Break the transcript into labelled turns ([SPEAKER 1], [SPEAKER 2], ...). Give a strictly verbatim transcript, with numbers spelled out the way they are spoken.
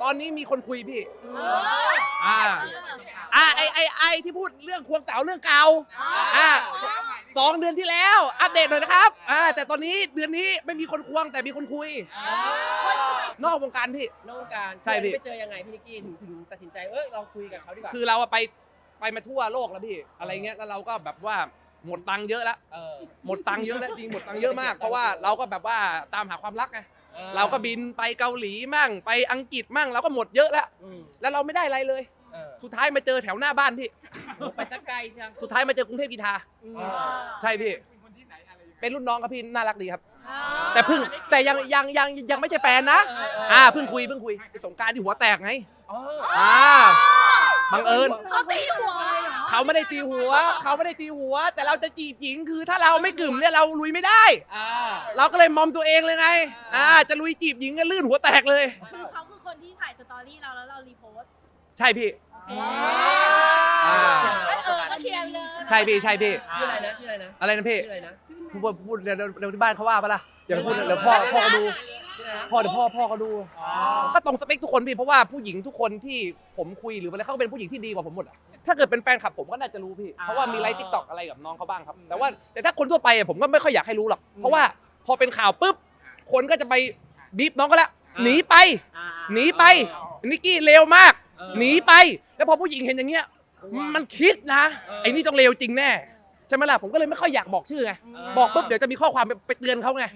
[SPEAKER 1] อนนี้มีคนคุยพี่อ่าอ่าไอไอไอที่พูดเรื่องควงสาวเรื่องเก่าอ่าสองเดือนที่แล้วอัปเดตหน่อยนะครับอ่าแต่ตอนนี้เดือนนี้ไม่มีคนควงแต่มีคนคุยนอกวงการพี่
[SPEAKER 2] นอกวงการ
[SPEAKER 1] ใช่พี่
[SPEAKER 2] ไปเจอยังไงพี่นิกกี้ถึงถึงตัดสินใจเออเราคุยกับเขาดีกว่า
[SPEAKER 1] คือเราไปไปมาทั่วโลกแล้วพี่อะไรเงี้ยแล้วเราก็แบบว่าหมดตังค์เยอะแล้วหมดตังค์เยอะแล้วจริงหมดตังค์เยอะมากเพราะว่าเราก็แบบว่าตามหาความรักไงเราก็บินไปเกาหลีมั่งไปอังกฤษมั่งเราก็หมดเยอะแล้วแล้วเราไม่ได้อะไรเลยสุดท้ายมาเจอแถวหน้าบ้านพี่
[SPEAKER 2] ไปสักไกลใช่
[SPEAKER 1] สุดท้ายมาเจอกรุงเทพกีฬาใช่พี่เป็นรุ่นน้องครับพี่น่ารักดีครับแต่เพิ่งแต่ยังยังยังยังไม่ใช่แฟนนะอ่าเพิ่งคุยเพิ่งคุยสงกรานต์ที่หัวแตกไงอ่าบังเอิญ
[SPEAKER 3] เขาตีหัว
[SPEAKER 1] เขาไม่ได้ตีหัวเขาไม่ได้ตีหัวแต่เราจะจีบหญิงคือถ้าเราไม่กึ่มเนี่ยเราลุยไม่ได้เราก็เลยมอมตัวเองเลยไงอ่าจะลุยจีบหญิงก็ลื่นหัวแตกเลย
[SPEAKER 3] คือเขาคือคนที่ถ่ายสตอรี่เราแล้วเรารีโพสต์
[SPEAKER 1] ใช่พี่
[SPEAKER 3] เออก็เคลียร์เลย
[SPEAKER 1] ใช่พี่ใช่พี่
[SPEAKER 2] ชื่ออะไรนะชื่ออะไรนะ
[SPEAKER 1] อะไรนะพี่
[SPEAKER 2] ชื่ออะไรนะ
[SPEAKER 1] พูดพูดเดี๋ยวเดี๋ยวที่บ้านเขาว่าปะล่ะอย่าไปพูดเดี๋ยวพ่อพ่อเขาดูพ่อเดี๋ยวพ่อพ่อเขาดูก็ตรงสเปคทุกคนพี่เพราะว่าผู้หญิงทุกคนที่ผมคุยหรืออะไรเขาก็เป็นผู้หญิงที่ดีกว่าผมหมดถ้าเกิดเป็นแฟนคลับผมก็น่าจะรู้พี่เพราะว่ามีไลฟ์ติ๊กต็อกอะไรกับน้องเขาบ้างครับแต่ว่าแต่ถ้าคนทั่วไปผมก็ไม่ค่อยอยากให้รู้หรอกเพราะว่าพอเป็นข่าวปุ๊บคนก็จะไปบีบน้องก็แล้วหนีไปหนีไปนิกกี้เลวมากหนีไปแล้วพอผู้หญิงเห็นอย่างเงี้ยมันคิดนะไอ้นี่ต้องเลวจริงแน่ใช่ไหมล่ะผมก็เลยไม่ค่อยอยากบอกชื่อไงบอกปุ๊บเดี๋ยวจะมีข้อความไปเตือนเขาไง